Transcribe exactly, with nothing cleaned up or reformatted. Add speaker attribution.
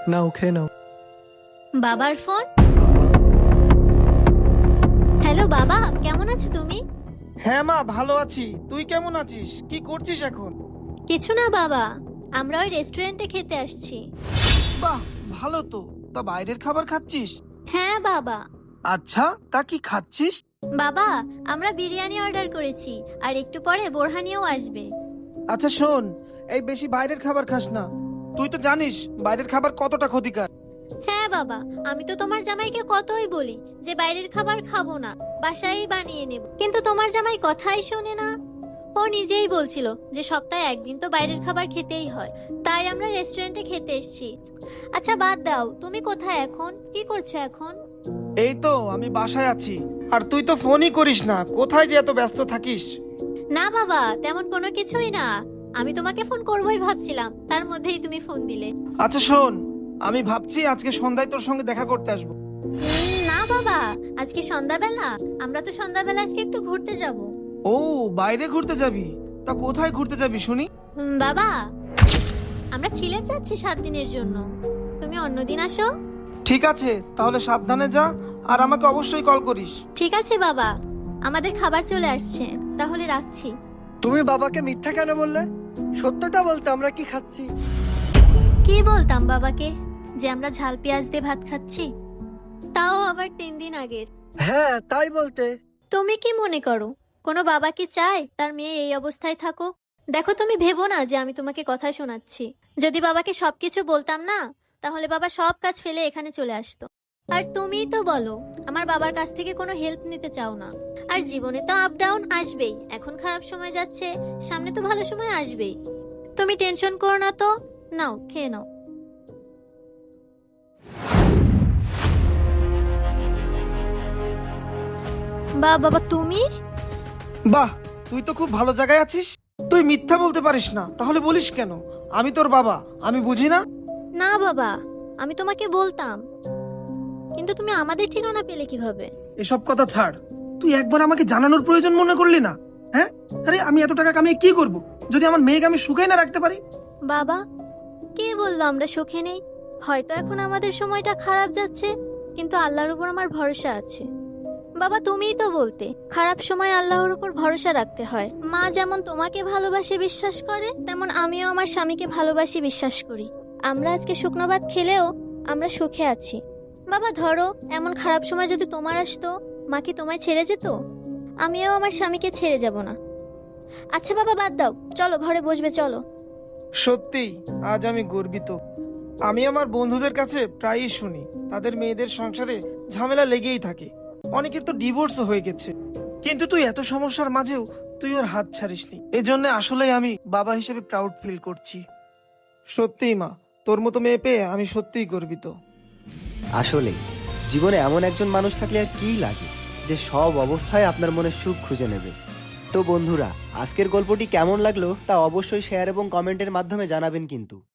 Speaker 1: নাও খেয়ে নাও।
Speaker 2: বাবার phone. Hello বাবা, কেমন আছো তুমি?
Speaker 3: হ্যাঁ মা, ভালো আছি। তুই কেমন আছিস? কি করছিস এখন?
Speaker 2: কিছু না বাবা, আমরা ওই রেস্টুরেন্টে খেতে আসছি।
Speaker 3: বাহ, ভালো তো। তা বাইরের খাবার খাচ্ছিস?
Speaker 2: হ্যাঁ বাবা।
Speaker 3: আচ্ছা, তা কি খাচ্ছিস?
Speaker 2: বাবা, আমরা বিরিয়ানি অর্ডার করেছি, আর একটু পরে বোরহানিও আসবে।
Speaker 3: আচ্ছা শোন, এই বেশি বাইরের খাবার খাস না। তুই তো জানিস বাইরের খাবার কতটা ক্ষতিকর।
Speaker 2: হ্যাঁ বাবা, আমি তো তোমার জামাইকে কতই বলি যে বাইরের খাবার খাবো না, বাসায় বানিয়ে নেব, কিন্তু তোমার জামাই কথাই শোনে না। ও নিজেই বলছিল যে সপ্তাহে একদিন তো বাইরের খাবার খেতেই হয়, তাই আমরা রেস্টুরেন্টে খেতে এসেছি। আচ্ছা বাদ দাও, তুমি কোথায় এখন, কি করছো এখন?
Speaker 3: এই তো আমি বাসায় আছি। আর তুই তো ফোনই করিস না, কোথায় যে এত ব্যস্ত থাকিস?
Speaker 2: না বাবা, তেমন কোনো কিছুই না, আমি তোমাকে ফোন করবোই ভাবছিলাম, তার মধ্যেই তুমি ফোন দিলে।
Speaker 3: আচ্ছা শোন, আমি ভাবছি আজকে সন্ধ্যায় তোর সঙ্গে দেখা করতে আসবো।
Speaker 2: উম, না বাবা, আজকে সন্ধ্যাবেলা আমরা তো সন্ধ্যাবেলা আজকে একটু ঘুরতে যাব।
Speaker 3: ও, বাইরে ঘুরতে যাবি? তা কোথায় ঘুরতে যাবি শুনি?
Speaker 2: উম, বাবা, আমরা সিলেট যাচ্ছি সাত দিনের জন্য, তুমি অন্যদিন আসো।
Speaker 3: ঠিক আছে, তাহলে সাবধানে যা, আর আমাকে অবশ্যই কল করিস।
Speaker 2: ঠিক আছে বাবা, আমাদের খাবার চলে আসছে, তাহলে রাখছি।
Speaker 1: তুমি বাবাকে মিথ্যা কেন বললে? সত্যটা বলতে আমরা কি খাচ্ছি।
Speaker 2: কি বলতাম বাবাকে যে আমরা ঝাল পেঁয়াজ দিয়ে ভাত খাচ্ছি, তাও আবার তিন দিন আগের।
Speaker 1: হ্যাঁ তাই বলতে।
Speaker 2: তুমি কি মনে করো কোনো বাবা কি চায় তার মেয়ে এই অবস্থায় থাকুক? দেখো, তুমি ভেবো না যে আমি তোমাকে কথা শোনাচ্ছি। যদি বাবাকে সবকিছু বলতাম না, তাহলে বাবা সব কাজ ফেলে এখানে চলে আসতো। আর তুমিই তো বলো আমার বাবার কাছ থেকে কোনো হেল্প নিতে চাও না। আর জীবনে তো আপ ডাউন আসবেই, এখন খারাপ সময় যাচ্ছে, সামনে তো ভালো সময় আসবেই। তুমি টেনশন করো না তো, নাও খেয়ে নাও। বা বাবা তুমি?
Speaker 3: বাহ, তুই তো খুব ভালো জায়গায় আছিস। তুই মিথ্যা বলতে পারিস না, তাহলে বলিস কেন আমি তোর বাবা? আমি বুঝি না?
Speaker 2: না বাবা, আমি তোমাকে বলতাম, কিন্তু তুমি আমাদের ঠিকানা পেলে কিভাবে?
Speaker 3: এসব কথা ছাড়। তুই একবার আমাকে জানানোর প্রয়োজন মনে করলি না? হ্যাঁ, আরে আমি এত টাকা কামিয়ে কি করব যদি আমার মেয়েকে আমি সুখে না রাখতে পারি?
Speaker 2: বাবা, কে বললো আমরা সুখে নেই? হয়তো এখন আমাদের সময়টা খারাপ যাচ্ছে, কিন্তু আল্লাহর উপর আমার ভরসা আছে। বাবা, তুমিই তো বলতে খারাপ সময় আল্লাহর উপর ভরসা রাখতে হয়। মা যেমন তোমাকে ভালোবাসে বিশ্বাস করে, তেমন আমিও আমার স্বামীকে ভালোবাসি বিশ্বাস করি। আমরা আজকে শুকনো ভাত খেলেও আমরা সুখে আছি। বাবা ধরো, এমন খারাপ সময় যদি তোমার আসতো, মা কি তোমায় ছেড়ে যেত? আমিও আমার স্বামীকে ছেড়ে যাব না। আচ্ছা বাবা বাদ দাও, চলো ঘরে বসবে, চলো।
Speaker 3: সত্যিই আজ আমি গর্বিত। আমি আমার বন্ধুদের কাছে প্রায়ই শুনি তাদের মেয়েদের সংসারে ঝামেলা লেগেই থাকে, অনেকের তো ডিভোর্সও হয়ে গেছে, কিন্তু তুই এত সমস্যার মাঝেও তুই ওর হাত ছাড়িসনি। এজন্য আসলেই আমি বাবা হিসেবে প্রাউড ফিল করছি। সত্যিই মা, তোর মতো মেয়ে পেয়ে আমি সত্যিই গর্বিত।
Speaker 4: আসলে জীবনে এমন একজন মানুষ থাকলে আর কি লাগে যে সব অবস্থায় আপনার মনে সুখ খুঁজে নেবে। তো বন্ধুরা, আজকের গল্পটি কেমন লাগলো তা অবশ্যই শেয়ার এবং কমেন্টের মাধ্যমে জানাবেন কিন্তু।